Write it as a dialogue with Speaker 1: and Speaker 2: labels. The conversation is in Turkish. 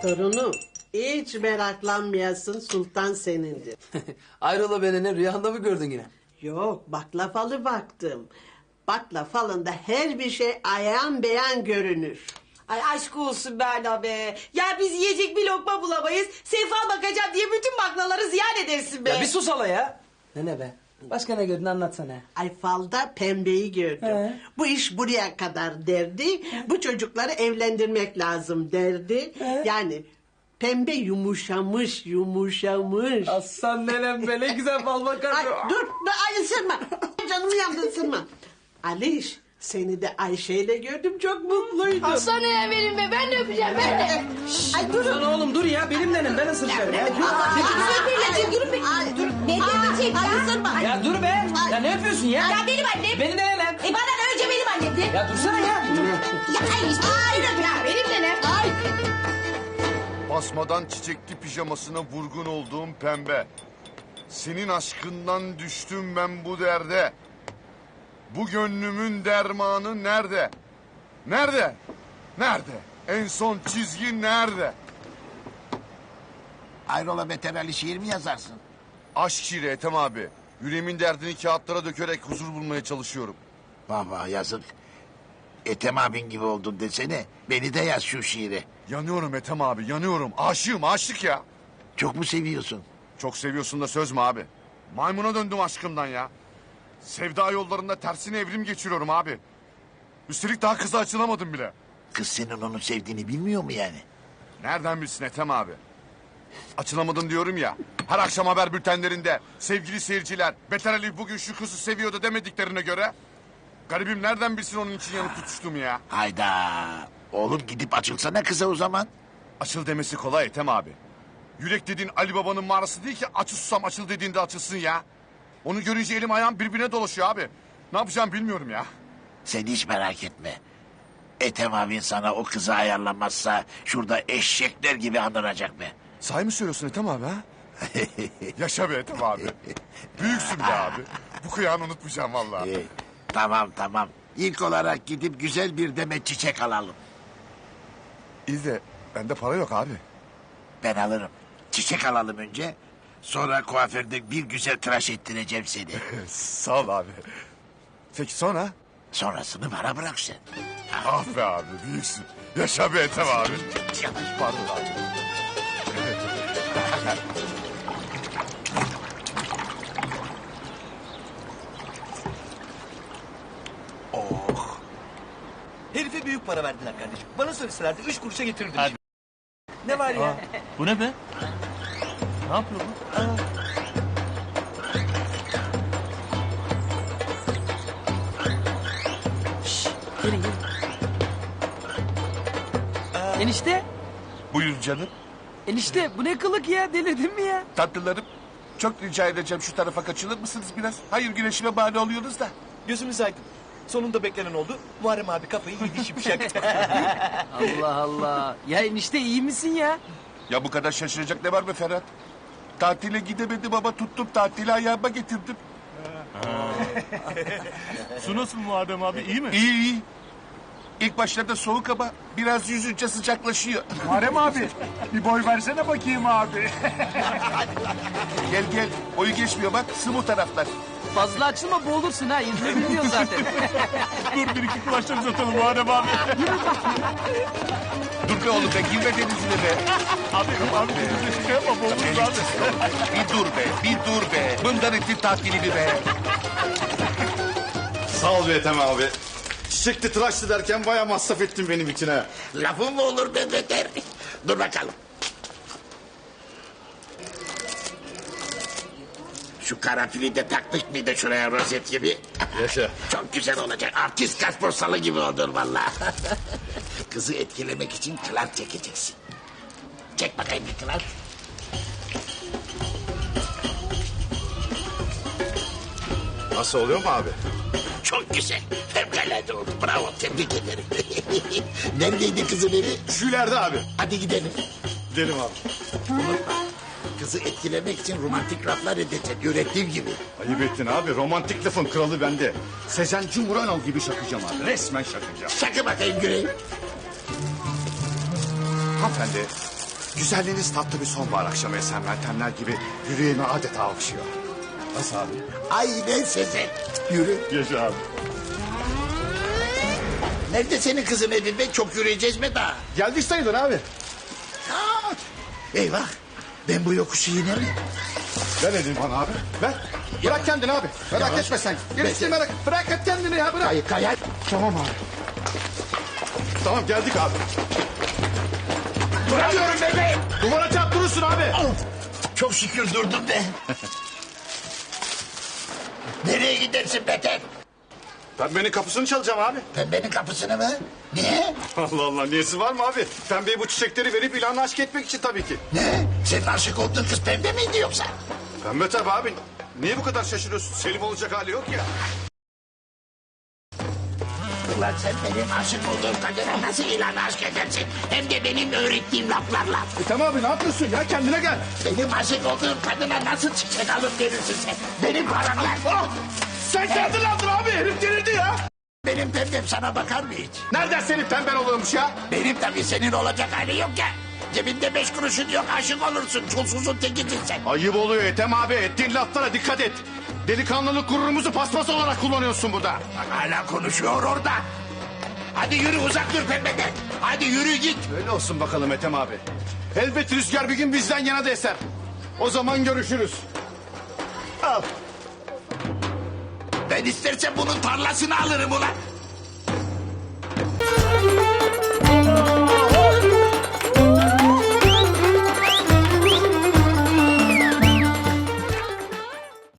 Speaker 1: Torunum, hiç meraklanmayasın, sultan senindir.
Speaker 2: Ayrola beni rüyanda mı gördün yine?
Speaker 1: Yok, baklavalı baktım. Baklavalı'nda her bir şey ayan beyan görünür.
Speaker 3: Ay aşk olsun Berna be. Ya biz yiyecek bir lokma bulamayız. Sefa bakacağım diye bütün baklaları ziyan edersin be.
Speaker 2: Ya bir sus hala ya. Ne be? Başka ne gördün anlatsana.
Speaker 1: Ay falda pembeyi gördüm.
Speaker 2: He.
Speaker 1: Bu iş buraya kadar derdi. Bu çocukları evlendirmek lazım derdi. Yani pembe yumuşamış.
Speaker 2: Aslan nenem be ne güzel bal bakar.
Speaker 1: Ay dur ay ısırma. Canımı yandı ısırma. Aliş seni de Ayşe'yle gördüm çok mutluydum.
Speaker 4: Aslan ya benim be, ben de öpeceğim, ben de.
Speaker 1: Ay durun.
Speaker 2: Lan oğlum dur ya benim nenem ben ısıracağım ya.
Speaker 4: Durun be. Ne diyecek
Speaker 1: Ay
Speaker 4: ya?
Speaker 1: ısırma.
Speaker 2: Ya dur be. Ya ne yapıyorsun ya?
Speaker 4: Ya benim annem.
Speaker 2: Benim de nenem.
Speaker 4: Bana da önce benim annemdi.
Speaker 2: Ya dursana ya.
Speaker 4: Ya ay işte. Ya benim nenem. Ay.
Speaker 5: Basmadan çiçekli pijamasına vurgun olduğum pembe. Senin aşkından düştüm ben bu derde. Bu gönlümün dermanı nerede? Nerede? Nerede? En son çizgi nerede?
Speaker 6: Ayrola veterali şiir mi yazarsın?
Speaker 5: Aşk şiiri Ethem abi. Yüreğimin derdini kağıtlara dökerek huzur bulmaya çalışıyorum.
Speaker 6: Vah yazık. Ethem abin gibi oldun desene. Beni de yaz şu şiiri.
Speaker 5: Yanıyorum Ethem abi yanıyorum. Aşığım aşık ya.
Speaker 6: Çok mu seviyorsun?
Speaker 5: Çok seviyorsun da söz mü abi? Maymuna döndüm aşkımdan ya. Sevda yollarında tersine evrim geçiriyorum abi. Üstelik daha kıza açılamadım bile.
Speaker 6: Kız senin onu sevdiğini bilmiyor mu yani?
Speaker 5: Nereden bilsin Ethem abi? Açılamadın diyorum ya. Her akşam haber bültenlerinde sevgili seyirciler Beter Ali bugün şu kızı seviyordu demediklerine göre... Garibim nereden bilsin onun için yanıp tutuştum ya.
Speaker 6: Hayda. Oğlum gidip açılsana kıza o zaman.
Speaker 5: Açıl demesi kolay Ethem abi. Yürek dediğin Ali Baba'nın mağarası değil ki açıl susam açıl dediğinde açılsın ya. Onu görünce elim ayağım birbirine dolaşıyor abi. Ne yapacağım bilmiyorum ya.
Speaker 6: Sen hiç merak etme. Ethem abin sana o kızı ayarlamazsa şurada eşekler gibi anıracak be.
Speaker 5: Sahi mi söylüyorsun Ethem abi ha? Yaşa be Ethem abi. Büyüksün be abi. Bu kıyağını unutmayacağım vallahi.
Speaker 6: Tamam. İlk olarak gidip güzel bir demet çiçek alalım.
Speaker 5: İyi de bende para yok abi.
Speaker 6: Ben alırım. Çiçek alalım önce. Sonra kuaförde bir güzel tıraş ettireceğim seni.
Speaker 5: Sağ ol abi. Peki sonra?
Speaker 6: Sonrasını bana bırak sen.
Speaker 5: Ah be abi büyüksün. Yaşa be Ethem abi. Pardon abi.
Speaker 7: Herife büyük para verdiler kardeşim. Bana söyleselerdi 3 kuruşa getirirdim. Ne var ya?
Speaker 8: Bu ne be? Ne yapıyor bu?
Speaker 2: Enişte.
Speaker 9: Buyur canım.
Speaker 2: Enişte bu ne kılık ya delirdin mi ya?
Speaker 9: Tatlılarım çok rica edeceğim şu tarafa kaçılır mısınız biraz? Hayır güneşime mani oluyorsunuz da.
Speaker 7: Gözümüz aydın. Sonunda beklenen oldu. Muharrem abi kafayı yedi şimşek.
Speaker 2: Allah Allah. Ya enişte iyi misin ya?
Speaker 9: Ya bu kadar şaşıracak ne var be Ferhat? Tatile gidemedim ama tuttum tatili ayağıma getirdim.
Speaker 8: Su nasıl Muharrem abi, iyi mi?
Speaker 9: İyi. İlk başlarda soğuk ama biraz yüzünce sıcaklaşıyor.
Speaker 8: Muharrem abi bir boy versene bakayım abi.
Speaker 9: Gel boyu geçmiyor bak sığ taraflar.
Speaker 2: Fazla açılma boğulursun ha. Yüzme bilmiyorsun zaten.
Speaker 8: Dur bir iki kulaçlar uzatalım Muharrem abi.
Speaker 9: Dur be oğlum be girme denizine be.
Speaker 8: Abi denizde şey yapma boğuluruz abi.
Speaker 9: Bir dur be. Bundan ettin tatilini be.
Speaker 10: Sağ ol be Ethem abi. Çiçekli tıraşlı derken bayağı masraf ettin benim için ha.
Speaker 6: Lafın mı olur be beter? Dur bakalım. Şu karanfili de taktık mıydı şuraya rozet gibi?
Speaker 10: Yaşa.
Speaker 6: Çok güzel olacak. Artist kasposalı gibi olur vallahi. Kızı etkilemek için kılar çekeceksin. Çek bakayım bir kılar.
Speaker 10: Nasıl oluyor mu abi?
Speaker 6: Çok güzel. Fevkalade oldu. Bravo. Tebrik ederim. Neredeydi kızın evi?
Speaker 10: Şülerde abi.
Speaker 6: Hadi gidelim.
Speaker 10: Gidelim abi.
Speaker 6: Unutma. Kızı etkilemek için romantik laflar edeceksin. Yürekliğim gibi.
Speaker 10: Ayıp ettin abi. Romantik lafın kralı bende. Sezen Cumhuranoğlu gibi şakacağım abi. Resmen şakacağım.
Speaker 6: Şakı bakayım Güney.
Speaker 10: Hanımefendi Güzelliğiniz tatlı bir sonbahar akşamı esen meltemler gibi yüreğimi adeta okşuyor. Nasıl abi?
Speaker 6: Aynen Sezen. Yürü.
Speaker 10: Yaşa abi.
Speaker 6: Nerede senin kızın Edil Bey? Çok yürüyeceğiz mi daha?
Speaker 10: Geldik sayılır abi.
Speaker 6: Aa, eyvah. Ben bu yokuşu iner miyim?
Speaker 10: Ver elini bana abi. Ver. Bırak kendini abi. Merak
Speaker 6: Yavaş.
Speaker 10: etme sen. Gerisi merak. Bırak et kendini ya bırak.
Speaker 6: Kayar.
Speaker 10: Tamam abi. Tamam geldik abi.
Speaker 6: Duramıyorum bebeğim.
Speaker 10: Duvara çarp durursun abi.
Speaker 6: Çok şükür durdum be. Nereye gidersin Beter?
Speaker 10: Pembenin kapısını çalacağım abi.
Speaker 6: Pembenin kapısını mı? Niye?
Speaker 10: Allah Allah niyesi var mı abi? Pembeye bu çiçekleri verip ilanı aşk etmek için tabii ki.
Speaker 6: Ne? Senin aşık olduğun kız pembe miydi yoksa?
Speaker 10: Pembe tabii abi. Niye bu kadar şaşırıyorsun? Selim olacak hali yok ya.
Speaker 6: Ulan sen benim aşık olduğum kadına nasıl ilan aşk edersin? Hem de benim öğrettiğim laflarla.
Speaker 10: Tamam abi ne yapıyorsun ya? Kendine gel.
Speaker 6: Benim aşık olduğum kadına nasıl çiçek alıp verirsin sen? Benim paramla.
Speaker 10: Ah! Sen kendin aldın abi. Herif delirdi ya.
Speaker 6: Benim pembem sana bakar mı hiç?
Speaker 10: Nereden senin pemben oluyormuş ya?
Speaker 6: Benim tabii senin olacak hali yok ya. Cebinde 5 kuruşun yok aşık olursun. Çulsuzun tekisin sen.
Speaker 10: Ayıp oluyor Ethem abi. Ettiğin laflara dikkat et. Delikanlılık gururumuzu paspas olarak kullanıyorsun burada.
Speaker 6: Bak hala konuşuyor orada. Hadi yürü uzak dur pembeden. Hadi yürü git.
Speaker 10: Öyle olsun bakalım Ethem abi. Elbet rüzgar bir gün bizden yana da eser. O zaman görüşürüz. Al.
Speaker 6: Ben istersen bunun tarlasını alırım ulan.